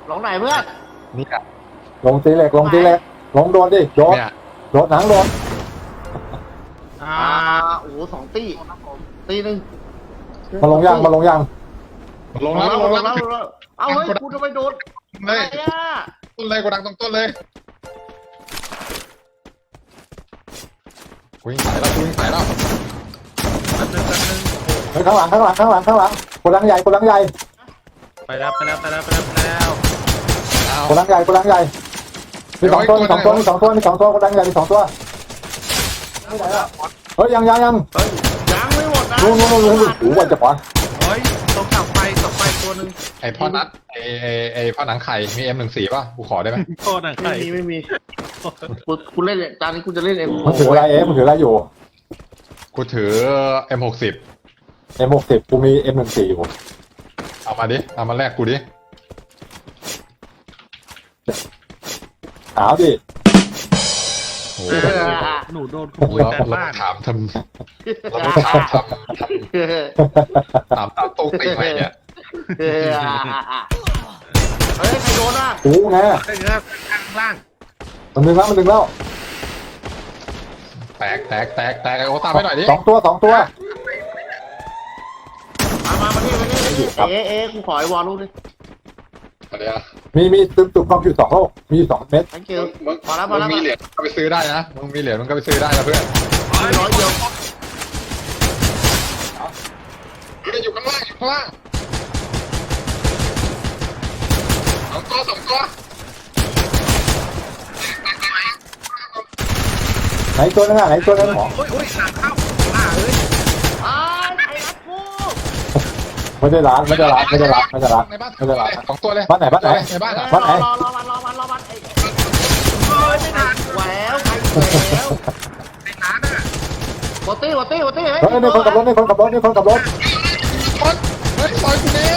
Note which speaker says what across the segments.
Speaker 1: หลงไหนเพื่อน
Speaker 2: นี่อะ
Speaker 3: ลงตีเหล็กลงตีเหล็กลงโดนดิโดนโดนหนังโดน
Speaker 1: โอ้โห2 ตีตีหนึ่ง
Speaker 3: มาลงยังมาลงยัง
Speaker 2: ลงแล้วลงแล้ว
Speaker 1: เอาเฮ้ยกูทำไมโดน
Speaker 2: เลย
Speaker 1: อะไรอ่ะ
Speaker 2: ต้นเลยกดดังตรงต้นเลยกูยิงสายแล้วกูยิงสายแล้ว
Speaker 3: เฮ้ยข้างหลังโกดังใหญ่โกดังใหญ่
Speaker 4: ไปแล้ว
Speaker 3: โกดังใหญ่มี2 ตัวมี2 ตัวมี2 ตัวมี2 ตัวโกดังใหญ่มี2 ตัวเฮ้ยยัง
Speaker 1: ยังไม่หมดนะ
Speaker 3: นู่นโอ้โหจะปอน
Speaker 4: เฮ้ยต้องกลับไปตัวนึง
Speaker 2: ไอพ่อนัดไอพ่อหนังไข่มี M14ป่ะกูขอได้ไหม
Speaker 4: โทษนะใคร
Speaker 1: ไม่มีกูเล่นจานนี้กูจะเล่นเอง
Speaker 3: มันถืออะไรมันถืออะไรอยู่
Speaker 2: กูถือ M60
Speaker 3: กูมี M14 อยู่
Speaker 2: เอามาดิเอามาแลกกูดิ
Speaker 3: หาวดิ
Speaker 4: หนูโดนขโมยแต่บ้าน
Speaker 2: ถามทำถามตามตรงตีไปเนี่ย
Speaker 1: เฮ้ยใครโดนอ่ะ
Speaker 3: โอ้ไง
Speaker 4: ข้างล่าง
Speaker 3: มันดึงแล้ว
Speaker 2: แตกโอ้ตามไปหน่อยดิ
Speaker 3: 2 ตัว
Speaker 1: มากูขอไอ้วอลลูกดิ
Speaker 3: มีตุ่มความจุ2 โลกมี2 เม็ด
Speaker 1: พอแล้ว
Speaker 2: มึงมีเหรียญก็ไปซื้อได้นะมึงมีเหรียญมึงก็ไปซื้อได้นะเพื่อน
Speaker 1: 100 เดียว
Speaker 2: อยู่ข้างล่าง2 ตัว
Speaker 3: ไหนตัวนึงหมอ
Speaker 4: โอ้ยหลังเข้าเฮ้ย
Speaker 1: ไอ้รักกู
Speaker 3: ไม่ได้ร้าน
Speaker 2: 2 ตัวเลย
Speaker 3: บ้านไหน
Speaker 1: รอวันไม่ทันแหววใครแล้ว
Speaker 4: ไอ้ร้านอ่ะ
Speaker 1: วอตี้
Speaker 3: เฮ้ยนี่คนขับรถ
Speaker 2: เฮ้ยซอยกูนี่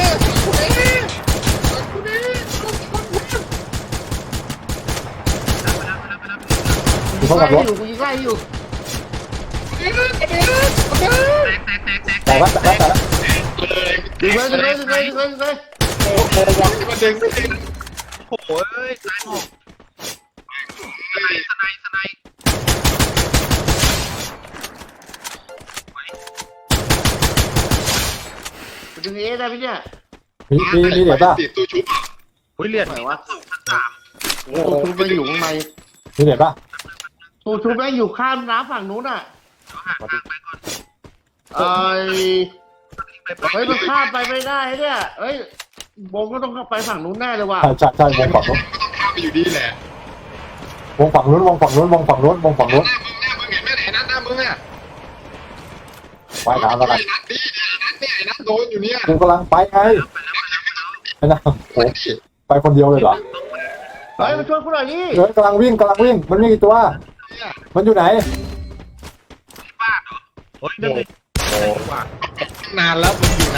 Speaker 3: มีคนขับรถ
Speaker 1: กูยิงไล่อยู่
Speaker 3: แต่ละ
Speaker 1: ดึงเลย
Speaker 2: โอ้โหมันดึงไม่ดึง
Speaker 4: โอ้ยตายหมดสไน
Speaker 1: ดึงได้พี่เนี่ย
Speaker 3: มีเหรียญป่ะ
Speaker 2: ตู้ชุบ
Speaker 4: เฮ้ยเหรียญ
Speaker 1: ไหนวะตู้ชุบไม่อยู่ข้างใน
Speaker 3: มีเหรียญป่ะ
Speaker 1: ตู้ชุบไม่อยู่ข้ามน้ำฝั่งนู้นอ่ะเฮ้ยมันข้ามไปไม่ได้เนี่ยเฮ้ยวงก็ต้องไปฝั่งนู้นแน่เลยว่ะ
Speaker 3: ใช่วงฝั่งนู้น
Speaker 2: ข้ามไปอยู่ดีแหละ
Speaker 3: วงฝั่งนู้น
Speaker 2: มึงเห็นไหมไหนนัดหน้ามึงอ่ะ
Speaker 3: ไปถามแล้วกัน
Speaker 2: ไอ้นัดโดนอยู่เนี่ย
Speaker 3: กูกำลังไปไงไอ้นะโอ้ไปคนเดียวเลยเหรอ
Speaker 1: เฮ้ยมาช่วยกูหน่อยดิ
Speaker 3: เฮ้ยกำลังวิ่งมันมีกี่ตัวมันอยู่ไหน
Speaker 4: บ้านเหรอโอ้ยนั่นเลย
Speaker 2: นานแล้วมันอยู่ไหน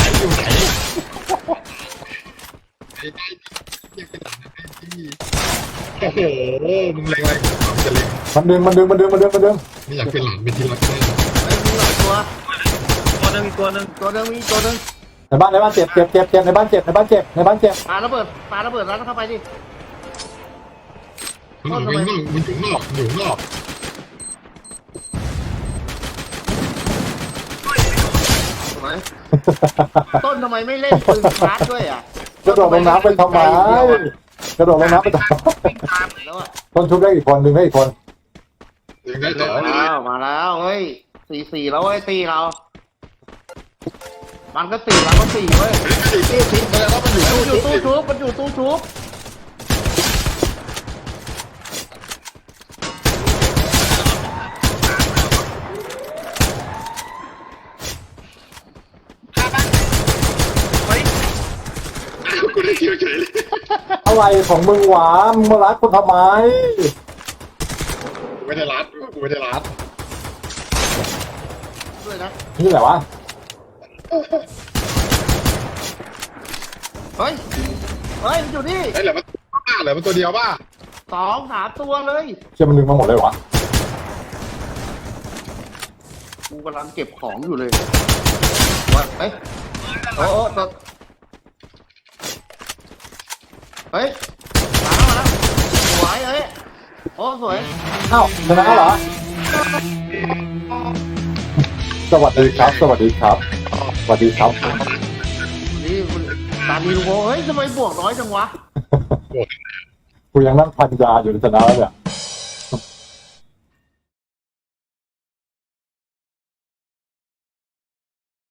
Speaker 2: โอ้โหมึงเล็งอะไรจะเล็ง
Speaker 3: มันดึง
Speaker 2: ไม่อยากเป็นหลานเป็นที่รักแน่
Speaker 1: มีหลายตัว
Speaker 4: นึงอีกตัวนึง
Speaker 3: ในบ้านเจ็บในบ้านเจ็บ
Speaker 1: ปาระเบิดแล้วเข้าไปดิ
Speaker 2: มันอยู่นอก
Speaker 1: ต้นทำไมไม่เล่นปืนชาร์จด้วยอ่ะ
Speaker 3: กระโดดลงน้ำไปทำไมต้นชุบได้อีกคนดึงได้อีกคน
Speaker 1: มาแล้วเฮ้ย4-4แล้วเว้ยตีเรามันก็4เราก็4เว้ย
Speaker 2: ทิ้งไปแล้วมันอยู่
Speaker 1: ตู้ชุบ
Speaker 2: กูได้เกี่ยวเฉยเลย
Speaker 3: อะไรของมึงหวามึงมารัดกูทำไม
Speaker 2: กูไม่ได้รัด
Speaker 1: ด้วยนะ
Speaker 3: นี่แหละวะ
Speaker 1: เฮ้ยมันอยู่นี่
Speaker 2: เหลือมันตัวเดียวป่ะ
Speaker 1: 2-3 ตัวเลย
Speaker 3: เชื่อมันดึงมาหมดเลยวะ
Speaker 1: กูกำลังเก็บของอยู่เลยโอ้เฮ้ยมาแล้วสวยเอ้ยโอ้สวย
Speaker 3: อ้าวชนะเหรอสวัสดีครับ สวัสดีครับ สวัสดีครับ
Speaker 1: นี่ตาดีลูกโอ้เฮ้ยทำไมบวกน้อยจังวะ
Speaker 3: กูยังนั่งพันยาอยู่ในชนะแล้วเนี่ย